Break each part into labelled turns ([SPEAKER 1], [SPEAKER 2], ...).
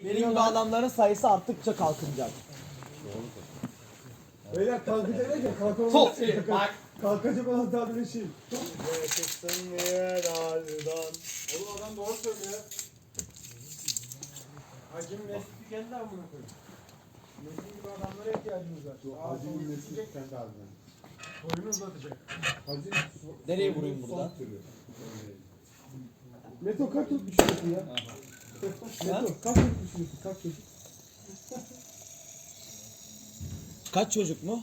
[SPEAKER 1] Benim gibi adamların sayısı arttıkça kalkınacak.
[SPEAKER 2] Beyler kalkacak derken kalkamaz.
[SPEAKER 1] Çok iyi. Bak.
[SPEAKER 2] Kalkacak olan tabiri şey.
[SPEAKER 3] Oğlum adam doğru söylüyor. Hacim Mesut'u kendi amına koyayım. Mesut gibi adamlara ihtiyacımız var.
[SPEAKER 2] Hacı'nın nesli kendi haline.
[SPEAKER 3] Boyunu uzatacak.
[SPEAKER 2] Hacı
[SPEAKER 1] Nereye vurayım buradan?
[SPEAKER 2] Meto kaç çocuk düşünüyorsun ya? Meto kaç çocuk düşünüyorsun? Kaç çocuk?
[SPEAKER 1] Kaç çocuk mu?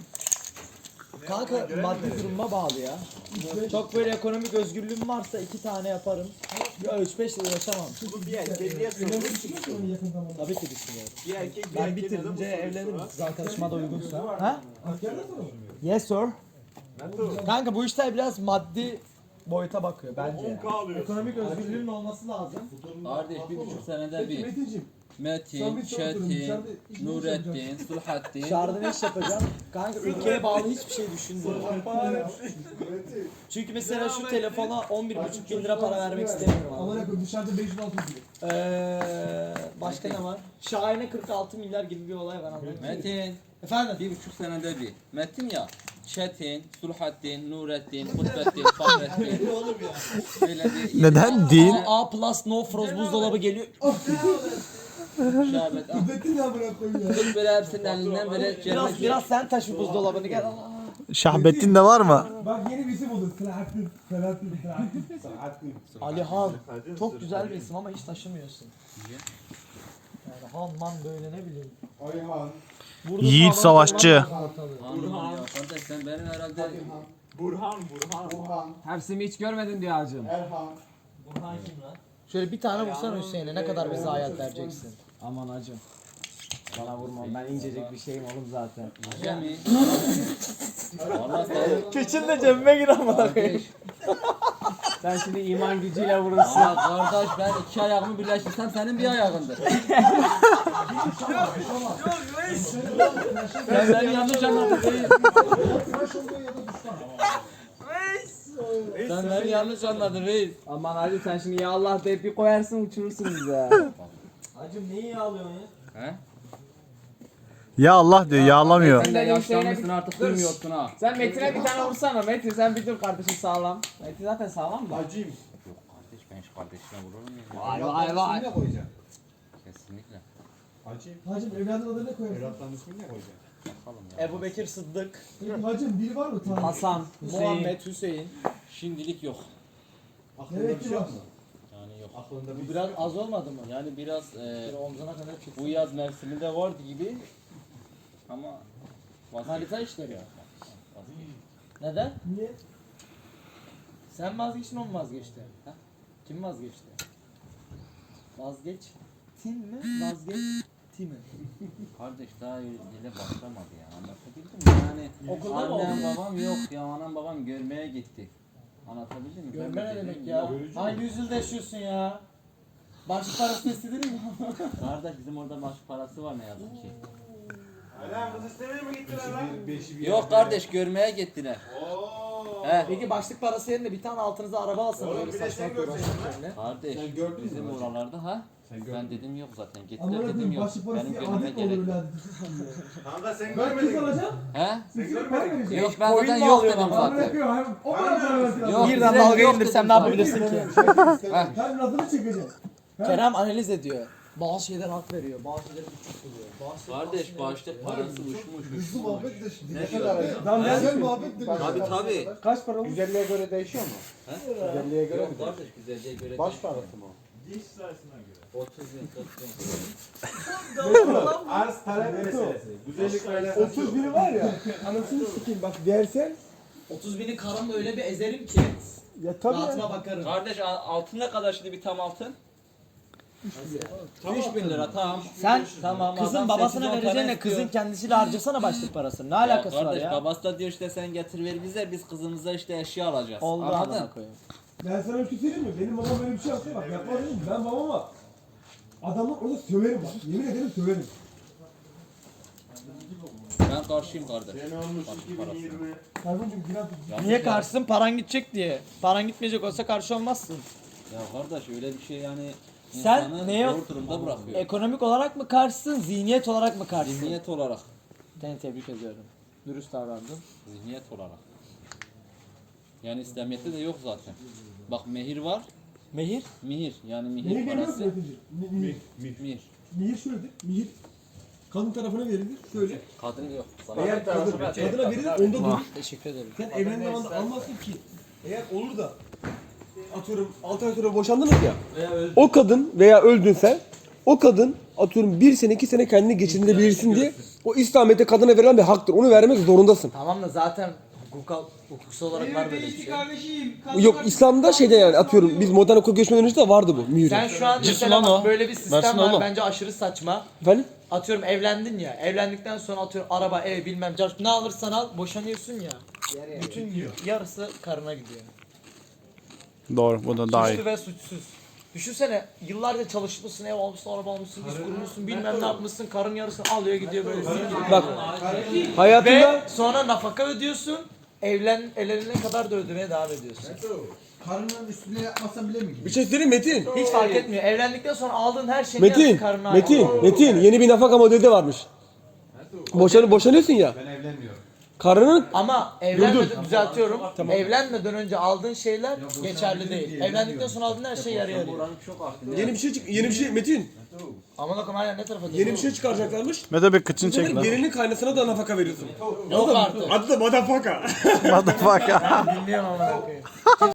[SPEAKER 1] Kanka maddi duruma bağlı ya. Çok böyle ekonomik özgürlüğüm varsa 2 tane yaparım. Ya 3-5 yıl yaşamam.
[SPEAKER 3] Bu bir erkekliğe sorulur.
[SPEAKER 2] Onu yakın zamanda.
[SPEAKER 1] Tabii ki düşünüyorum.
[SPEAKER 3] Bir erkek
[SPEAKER 1] Ben bitirince evlenirim. Kız arkadaşıma da uygunsa. Ha?
[SPEAKER 2] Askerden sonra mı?
[SPEAKER 1] Yes sir. Kanka bu işler biraz maddi boyuta bakıyor bence. Yani. Ekonomik özgürlüğün olması lazım.
[SPEAKER 4] Kardeş 1,5 senede bir.
[SPEAKER 2] Metin'cim.
[SPEAKER 4] Metin, Çetin, Nurettin, Sulhattin.
[SPEAKER 1] Dışarıda ne iş yapacağım? Kanka ülkeye bağlı hiçbir şey düşünmüyorum. Çünkü mesela şu telefona 11,5 bin lira para vermek istemiyorum abi.
[SPEAKER 2] Amına koyayım dışarıda 500 600 diyor.
[SPEAKER 1] Başka ne var? Şahin'e 46 milyar gibi bir olay var anladın mı?
[SPEAKER 4] Metin,
[SPEAKER 1] Efendim?
[SPEAKER 4] 1,5 senede bir. Metin ya. Çetin, Sulhattin, Nurettin, Kutbettin, Fahrettin. Böyle bir
[SPEAKER 5] Neden değil?
[SPEAKER 1] A plus no frost buzdolabı geliyor.
[SPEAKER 4] şerbet.
[SPEAKER 2] Kudrettin ya bırak koyayım ya.
[SPEAKER 4] Tut böyle hepsinin elinden böyle
[SPEAKER 1] Biraz sen taşı buzdolabını gel.
[SPEAKER 5] Şahbettin de var mı?
[SPEAKER 2] Bak yeni bir isim oldu. Selahattin.
[SPEAKER 1] Alihan. Çok güzel bir isim ama hiç taşımıyorsun. Yani Han man böyle ne bileyim.
[SPEAKER 2] Ayhan.
[SPEAKER 1] Burada
[SPEAKER 5] Yiğit
[SPEAKER 1] sağlam
[SPEAKER 5] savaşçı.
[SPEAKER 1] olan ortalığı.
[SPEAKER 4] Burhan. Ya kardeş sen benim herhalde
[SPEAKER 3] Burhan.
[SPEAKER 2] Burhan.
[SPEAKER 6] Hepsini hiç görmedin diyor hacım.
[SPEAKER 2] Erhan.
[SPEAKER 1] Şöyle bir tane vursana Hüseyin'e ne kadar bize hayat vereceksin.
[SPEAKER 6] Aman hacım. Bana vurma ben incecik bir şeyim oğlum zaten.
[SPEAKER 4] Cemi. Valla sen
[SPEAKER 1] Keçin de cebime gir amına
[SPEAKER 4] kardeş.
[SPEAKER 6] Sen şimdi iman gücüyle vurursun.
[SPEAKER 4] Ya kardeş ben 2 ayağımı birleştirsem senin bir ayağındır. Sen beni yanlış anladın değil.
[SPEAKER 2] Tıraş olduğu ya da düşman.
[SPEAKER 4] Sen beni yanlış anladın reis.
[SPEAKER 6] Aman hacım sen şimdi ya Allah deyip bir koyarsın uçurursun bize.
[SPEAKER 1] Hacım neyi yağlıyorsun ya?
[SPEAKER 4] He?
[SPEAKER 5] Ya Allah diyor yağlamıyor.
[SPEAKER 4] Sen de
[SPEAKER 6] Sen
[SPEAKER 4] yaşlanmışsın
[SPEAKER 6] Hüseyin'e
[SPEAKER 4] artık
[SPEAKER 6] Dur.
[SPEAKER 4] duymuyorsun ha.
[SPEAKER 6] Sen Metin'e bir tane vursana Metin sen bir dur kardeşim sağlam. Metin zaten sağlam da.
[SPEAKER 2] Hacıyım.
[SPEAKER 4] Yok kardeş ben şu kardeşime vururum ya.
[SPEAKER 6] Vay vay vay.
[SPEAKER 2] Ne koyacaksın?
[SPEAKER 4] Kesinlikle.
[SPEAKER 2] Hacıyım. Hacım evladın adını ne koyarsın? Evlatların ismini ne koyacaksın?
[SPEAKER 4] Bakalım ya.
[SPEAKER 1] Ebu Bekir Sıddık,
[SPEAKER 2] Peki hacım biri var mı tanrı?
[SPEAKER 6] Hasan, Hüseyin.
[SPEAKER 1] Muhammed Hüseyin.
[SPEAKER 4] Şimdilik yok.
[SPEAKER 2] Aklında bir şey var mı?
[SPEAKER 4] Yani yok.
[SPEAKER 2] Aklında
[SPEAKER 1] Bu biraz az olmadı mı?
[SPEAKER 4] Yani biraz
[SPEAKER 1] Böyle omzuna kadar çıksın.
[SPEAKER 4] bu yaz mevsiminde vardı gibi ama
[SPEAKER 1] Manita işleri ya. Neden?
[SPEAKER 2] Niye?
[SPEAKER 1] Sen vazgeçtin o mu vazgeçti? Ha? Kim vazgeçti? Vazgeçtin mi? Vazgeçti mi?
[SPEAKER 4] Kardeş daha dile başlamadı ya anlatabildim mi? Yani
[SPEAKER 1] Okulda mı
[SPEAKER 4] annem
[SPEAKER 1] oldu?
[SPEAKER 4] babam yok ya anam babam görmeye gitti. Anlatabildim mi?
[SPEAKER 1] Görme
[SPEAKER 4] Ben
[SPEAKER 1] ne
[SPEAKER 4] de
[SPEAKER 1] demek
[SPEAKER 4] dedim,
[SPEAKER 1] ya?
[SPEAKER 4] yok.
[SPEAKER 1] Hangi yüzyılda yaşıyorsun ya? Başlık parasını istedin mi?
[SPEAKER 4] Kardeş bizim orada başlık parası var ne yazık ki.
[SPEAKER 3] Lan kız istemeye mi gittiler lan?
[SPEAKER 4] Yok kardeş görmeye gittiler.
[SPEAKER 3] Ooo.
[SPEAKER 4] He.
[SPEAKER 1] Peki başlık parası yerine bir tane altınıza araba alsana
[SPEAKER 3] Oğlum
[SPEAKER 1] böyle
[SPEAKER 3] bir de
[SPEAKER 1] saçma
[SPEAKER 3] sen görseydin
[SPEAKER 1] uğraşmak
[SPEAKER 4] Kardeş
[SPEAKER 2] Sen gördün mü
[SPEAKER 4] bizim
[SPEAKER 2] hocam?
[SPEAKER 4] oralarda ha?
[SPEAKER 2] Sen
[SPEAKER 4] Ben dedim yok zaten
[SPEAKER 2] Amına
[SPEAKER 4] gittiler dedim
[SPEAKER 2] koyayım
[SPEAKER 4] yok.
[SPEAKER 2] başı
[SPEAKER 4] Benim
[SPEAKER 2] parası
[SPEAKER 4] gönlüme
[SPEAKER 2] adet mi olur
[SPEAKER 4] gerek.
[SPEAKER 2] öyle adet?
[SPEAKER 3] Kanka sen
[SPEAKER 2] Ben kız
[SPEAKER 3] görmedin.
[SPEAKER 2] alacağım.
[SPEAKER 4] He?
[SPEAKER 2] Sen gidip para vereceksin.
[SPEAKER 4] Yok ben
[SPEAKER 1] Koyun
[SPEAKER 4] zaten
[SPEAKER 1] mu
[SPEAKER 4] yok
[SPEAKER 1] alıyorsun
[SPEAKER 4] dedim
[SPEAKER 1] ama?
[SPEAKER 2] Amına
[SPEAKER 4] zaten.
[SPEAKER 2] koyayım hem o kadar para versin.
[SPEAKER 4] Yok,
[SPEAKER 1] Birden
[SPEAKER 4] bize
[SPEAKER 1] dalga
[SPEAKER 4] yok
[SPEAKER 1] indirsem
[SPEAKER 4] dedim
[SPEAKER 1] ne yapabilirsin ki?
[SPEAKER 2] Hem adını çekeceksin.
[SPEAKER 1] Kerem analiz ediyor. Bazı şeyler hak veriyor, bazı şeyler küçük buluyor. Bazı şeyler
[SPEAKER 4] Kardeş başlık parası uçmuş
[SPEAKER 2] Hızlı
[SPEAKER 4] uçmuş.
[SPEAKER 2] muhabbet de şimdi.
[SPEAKER 4] Ne diyor?
[SPEAKER 2] Lan güzel muhabbet de.
[SPEAKER 4] Tabii.
[SPEAKER 2] Kaç para olmuş? Güzelliğe göre değişiyor mu?
[SPEAKER 4] He?
[SPEAKER 2] Güzelliğe göre mi?
[SPEAKER 4] Yok kardeş güzelliğe göre
[SPEAKER 2] Baş
[SPEAKER 4] değil.
[SPEAKER 2] parası mı?
[SPEAKER 3] Diş sayısına göre.
[SPEAKER 4] 30 bin 40 bin.
[SPEAKER 3] Arz talep meselesi. Güzellik böyle.
[SPEAKER 2] 30 biri var ya. Anasını sikeyim bak versen.
[SPEAKER 1] 30 bini karımla öyle bir ezerim ki.
[SPEAKER 2] Ya tabii ya.
[SPEAKER 1] Rahatıma bakarım.
[SPEAKER 4] Kardeş altın ne kadar şimdi bir tam altın? 3000 lira tamam.
[SPEAKER 1] Sen
[SPEAKER 4] Tamam,
[SPEAKER 1] kızın
[SPEAKER 4] adam
[SPEAKER 1] babasına
[SPEAKER 4] 8-10
[SPEAKER 1] vereceğine
[SPEAKER 4] tane istiyor.
[SPEAKER 1] kızın kendisiyle harcasana başlık parasını. Ne
[SPEAKER 4] Ya
[SPEAKER 1] alakası var
[SPEAKER 4] kardeş
[SPEAKER 1] ya?
[SPEAKER 4] babası da diyor işte sen getir ver bize biz kızımıza işte eşya alacağız.
[SPEAKER 1] Oldu
[SPEAKER 4] Anladın?
[SPEAKER 1] amına koyayım.
[SPEAKER 2] Ben sana bir şey söyleyeyim mi? Benim babam böyle bir şey yapsa bak yapmaz dedim. Ben babama adamı orada söverim bak. Yemin ederim söverim.
[SPEAKER 4] Ben karşıyım kardeş.
[SPEAKER 3] Sene olmuş
[SPEAKER 4] Başlık parası.
[SPEAKER 3] 2020.
[SPEAKER 2] Kardeşim biraz
[SPEAKER 4] Yazık
[SPEAKER 1] Niye
[SPEAKER 4] ya.
[SPEAKER 1] karşısın? Paran gidecek diye. Paran gitmeyecek olsa karşı olmazsın.
[SPEAKER 4] Ya kardeş öyle bir şey yani
[SPEAKER 1] Sen
[SPEAKER 4] İnsanı
[SPEAKER 1] neye
[SPEAKER 4] zor durumda bırakıyor.
[SPEAKER 1] ekonomik olarak mı karşısın, zihniyet olarak mı karşısın?
[SPEAKER 4] Zihniyet olarak.
[SPEAKER 1] Seni tebrik ediyorum. Dürüst davrandın.
[SPEAKER 4] Zihniyet olarak. Yani İslamiyet'te de yok zaten. Bak mehir var.
[SPEAKER 1] Mehir?
[SPEAKER 4] Mihir. Yani
[SPEAKER 2] Neyi
[SPEAKER 4] mihir
[SPEAKER 2] bilmez
[SPEAKER 4] parası.
[SPEAKER 2] Metin'ciğim? Mihir.
[SPEAKER 4] Mihir.
[SPEAKER 2] Mihir şöyledir. Mihir kadın tarafına verilir. Şöyle.
[SPEAKER 4] Kadın yok.
[SPEAKER 2] Eğer kadına verilir onda durur.
[SPEAKER 1] Teşekkür ederim.
[SPEAKER 2] Sen evlendiğin zamanda almazsın ki. Eğer olur da atıyorum 6 ay sonra boşandınız ya. O kadın veya öldün sen. O kadın atıyorum 1 sene 2 sene kendini geçindirebilirsin diye o İslamiyet'te kadına verilen bir haktır. Onu vermek zorundasın.
[SPEAKER 1] Tamam da zaten hukuksal olarak var böyle bir şey.
[SPEAKER 3] kardeşim.
[SPEAKER 2] Yok İslam'da şeyde yani atıyorum biz modern okul geçmeden önce de vardı bu mühür.
[SPEAKER 1] Sen şu an mesela
[SPEAKER 5] lan o.
[SPEAKER 1] böyle bir sistem
[SPEAKER 5] Versin
[SPEAKER 1] var
[SPEAKER 5] oğlum.
[SPEAKER 1] bence aşırı saçma.
[SPEAKER 2] Efendim?
[SPEAKER 1] Atıyorum evlendin ya, evlendikten sonra atıyorum araba, ev bilmem ne alırsan al boşanıyorsun ya. Bütün yarısı karına gidiyor.
[SPEAKER 5] Doğru, bu da daha iyi.
[SPEAKER 1] Suçlu ve suçsuz. Düşünsene yıllarca çalışmışsın, ev almışsın, araba almışsın, iş kurmuşsun, bilmem ne yapmışsın, karın yarısını alıyor gidiyor böyle zil gibi.
[SPEAKER 2] Bak hayatında
[SPEAKER 1] Ve sonra nafaka ödüyorsun, evlenene kadar da ödemeye devam ediyorsun.
[SPEAKER 3] Karının üstüne yapmasan bile mi gidiyor?
[SPEAKER 2] bir şey söyleyeyim Metin.
[SPEAKER 1] Hiç fark etmiyor. Evlendikten sonra aldığın her şeyin yarısı
[SPEAKER 2] Metin,
[SPEAKER 1] karına ait.
[SPEAKER 2] Metin yeni bir nafaka modeli de varmış. Boşanıyorsun ya.
[SPEAKER 3] Ben evlenmiyorum.
[SPEAKER 2] Karının
[SPEAKER 1] Ama evlenmeden düzeltiyorum. Evlenmeden önce aldığın şeyler geçerli değil. Evlendikten sonra aldığın her şey yarı yarıya.
[SPEAKER 2] yeni bir şey Metin.
[SPEAKER 1] Aman akım hala ne tarafa
[SPEAKER 2] Yeni bir şey çıkaracaklarmış.
[SPEAKER 5] Mete bir kıçını çek
[SPEAKER 2] Senin
[SPEAKER 5] lan.
[SPEAKER 2] gelinin kaynasına da nafaka veriyorsun.
[SPEAKER 1] Yok artık.
[SPEAKER 2] Adı da motherfucker.
[SPEAKER 5] Motherfucker.
[SPEAKER 1] Bilmiyorum aman akım.